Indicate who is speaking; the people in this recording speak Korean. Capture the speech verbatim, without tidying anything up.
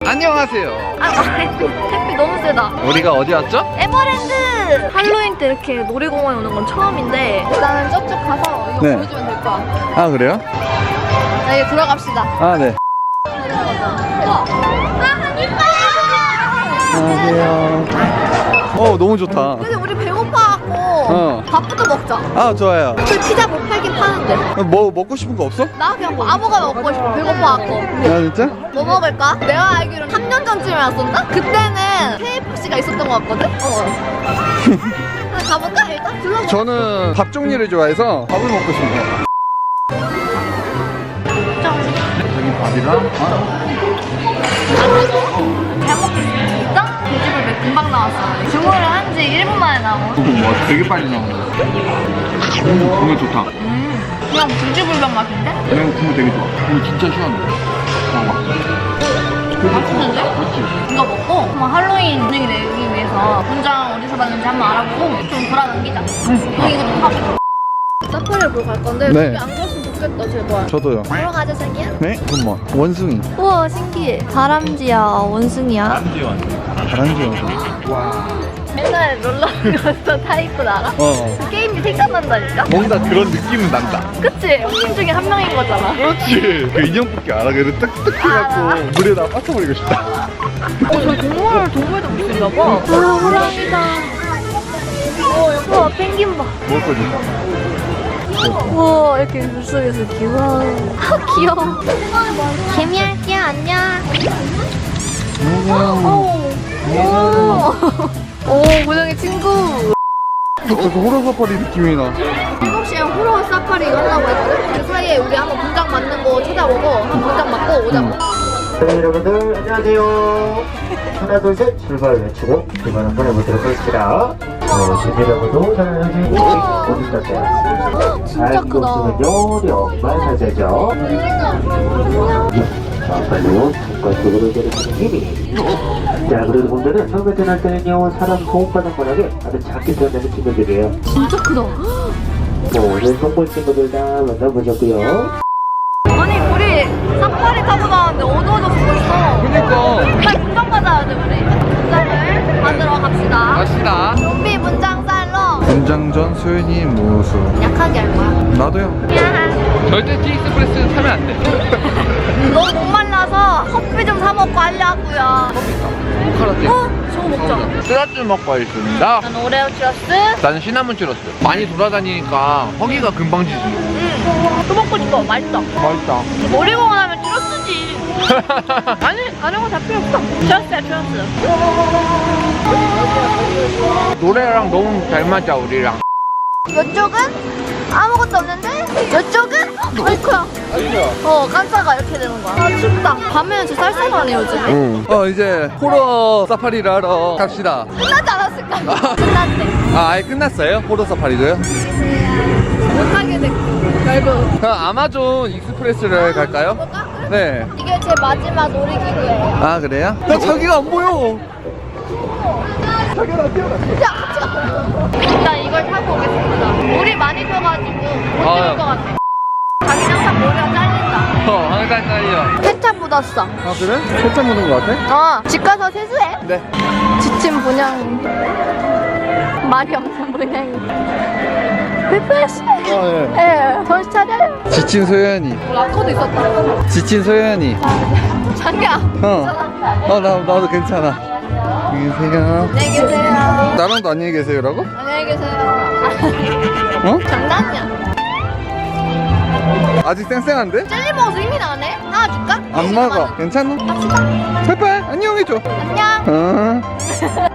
Speaker 1: 안녕하세요.
Speaker 2: 아, 햇빛 너무 세다.
Speaker 1: 우리가 어디 왔죠?
Speaker 2: 에버랜드! 할로윈 때 이렇게 놀이공원에 오는 건 처음인데 일단은 저쪽 가서 이거
Speaker 1: 네.
Speaker 2: 보여주면 될 것 같아.
Speaker 1: 아 그래요?
Speaker 2: 자, 이제 들어갑시다.
Speaker 1: 아 네.
Speaker 2: 우와! 아, 이뻐요!
Speaker 1: 안녕하세요. 어 너무 좋다.
Speaker 2: 근데 우리 배고파갖고
Speaker 1: 어.
Speaker 2: 밥부터 먹자.
Speaker 1: 아 좋아요.
Speaker 2: 그 피자 못 팔긴 파는데.
Speaker 1: 뭐 먹고 싶은 거 없어?
Speaker 2: 나 그냥 뭐 아무거나 먹고 싶어. 배고파갖고.
Speaker 1: 아 진짜?
Speaker 2: 뭐 먹을까? 내가 알기로는 삼 년 전쯤에 왔었나? 그때는 케이에프씨가 있었던 것 같거든? 어. 그럼 가볼까 일단? 둘러봐.
Speaker 1: 저는 밥 종류를 좋아해서 밥을 먹고 싶네요. 여기 밥이랑 아.
Speaker 2: 잘 먹겠습니다. 돼지불백 금방 나왔어. 주문을 한 지 일 분 만에 나온.
Speaker 1: 이거 뭐 되게 빨리 나오는 거. 음, 국물 좋다.
Speaker 2: 음, 그냥 돼지불백 맛인데?
Speaker 1: 그냥 국물 되게 좋아. 국물 진짜 시원해. 봐봐.
Speaker 2: 맛있는데?
Speaker 1: 그렇지.
Speaker 2: 이거 먹고 한번 할로윈 분위기 내기 위해서 분장 어디서 봤는지 한번 알아보고 좀 돌아다니자. 응. 이거 좀 하고. 사파리를 보러 갈 건데
Speaker 1: 네.
Speaker 2: 여기 안 갔으면 좋겠다 제발.
Speaker 1: 저도요.
Speaker 2: 보러 가자 자기야.
Speaker 1: 네? 잠깐만. 원숭이.
Speaker 2: 우와 신기해. 다람쥐야 원숭이야.
Speaker 1: 다람쥐 원숭이. 다람쥐 원숭이. 와.
Speaker 2: 맨날 놀러가서 타입을 알아?
Speaker 1: 어.
Speaker 2: 그 게임이 생각난다니까?
Speaker 1: 뭔가 그런 느낌은 난다.
Speaker 2: 그치? 형님 중에 한 명인 거잖아.
Speaker 1: 그렇지. 그 인형 뽑기 알아. 그래서 딱딱 해갖고 물에다 빠져버리고 싶다.
Speaker 2: 어, 저 동물, 동물도 볼 수 있나 봐. 아, 호랑이다. 우와, 펭귄 봐.
Speaker 1: 먹을 거지?
Speaker 2: 우와, 이렇게 물속에서 귀여워. 아, 귀여워. 개미할게요, 안녕. 오, 오, 오, 고양이 친구.
Speaker 1: 저거 호러 사파리 느낌이 나.
Speaker 2: 일곱 시에 호러 사파리 한다고 했거든? 그 사이에 우리 한번 분장 맞는 거 찾아보고 한 분장 맞고 오자고.
Speaker 3: 네, 여러분들 안녕하세요. 하나 둘 셋 출발 외치고 출발 한번 해보도록 하겠습니다. 어, 준비하고도 잘 해주시고
Speaker 2: 우와.
Speaker 3: 어디 갔어요?
Speaker 2: 진짜 크다.
Speaker 3: 요령 말사제죠. 자, 빨리요. 뒷걸음으로 내려가는 힘이. 자, 그리고 분들은 처음에 태어날 때는요 사람 호흡하는 모양에 아주 작게 태어나는 친구들이에요.
Speaker 2: 진짜 크다.
Speaker 3: 뭐 오늘 동물 친구들 다 만나보셨고요.
Speaker 2: 아니, 우리 사파리 타고 나왔는데 어두워졌어 벌써.
Speaker 1: 그니까.
Speaker 2: 빨리 분장 받아야 돼, 우리. 분장을 받으러 갑시다.
Speaker 1: 갑시다.
Speaker 2: 좀비 분장 살러.
Speaker 1: 분장 전 소연이 모습.
Speaker 2: 약하게 할 거야.
Speaker 1: 나도요.
Speaker 2: 야,
Speaker 1: 절대 티익스프레스 타면 안 돼.
Speaker 2: 너무 목말라서 커피 좀 사 먹고 하려고요.
Speaker 1: 카라떼.
Speaker 2: 어? 저거 먹자.
Speaker 1: 쓰라쭈 먹고 있습니다.
Speaker 2: 난 오레오 추러스.
Speaker 1: 나는 시나몬 찌렀어. 많이 돌아다니니까 허기가 금방 지지.
Speaker 2: 응. 또 먹고 싶어. 맛있어.
Speaker 1: 맛있다.
Speaker 2: 놀이공원 하면 추러스지. 아니, 다른 거 다 필요 없어. 추러스야, 추러스.
Speaker 1: 노래랑 너무 잘 맞아 우리랑.
Speaker 2: 이쪽은 아무것도 없는데 이쪽은 아이쿠야.
Speaker 1: 아니야.
Speaker 2: 어 깜짝아 이렇게 되는 거야. 아 춥다. 밤에는 진짜 쌀쌀하네 요즘에.
Speaker 1: 응. 어 이제 호러 사파리를 하러 갑시다.
Speaker 2: 끝나지 않았을까? 끝났대.
Speaker 1: 아 아예 끝났어요? 호러 사파리도요?
Speaker 2: 못하게 됐고 결국.
Speaker 1: 그럼 아마존 익스프레스를 갈까요?
Speaker 2: 볼까?
Speaker 1: 네.
Speaker 2: 이게 제 마지막 놀이기구예요.
Speaker 1: 아 그래요? 나 자기가 안 보여. 자기가 나 뛰어나.
Speaker 2: 야 같이 가. 일단 이걸 타고 오겠습니다. 물이 많이 펴가지고 못
Speaker 1: 아.
Speaker 2: 찍을 것 같아. 자기는 항상 머리가 잘린다.
Speaker 1: 어 항상 딸려.
Speaker 2: 세차 묻었어.
Speaker 1: 아 그래? 세차 묻은 거 같아?
Speaker 2: 어, 집 가서 세수해.
Speaker 1: 네.
Speaker 2: 지친 분양. 말이 없는 분양이. 페프레시.
Speaker 1: 어 예.
Speaker 2: 예, 정신 차려요.
Speaker 1: 지친 소연이.
Speaker 2: 라커도 있었다.
Speaker 1: 지친 소연이.
Speaker 2: 자기야.
Speaker 1: 어. 어 나 나도 괜찮아. 안녕히 계세요.
Speaker 2: 안녕히 계세요.
Speaker 1: 나랑도 안녕히 계세요라고?
Speaker 2: 안녕히 계세요.
Speaker 1: 어?
Speaker 2: 장난이야.
Speaker 1: 아직 쌩쌩한데?
Speaker 2: 젤리 먹어서 힘이 나네. 하나 줄까?
Speaker 1: 안 먹어. 괜찮아?
Speaker 2: 갑시다.
Speaker 1: 제발 안녕해줘.
Speaker 2: 안녕.
Speaker 1: 어.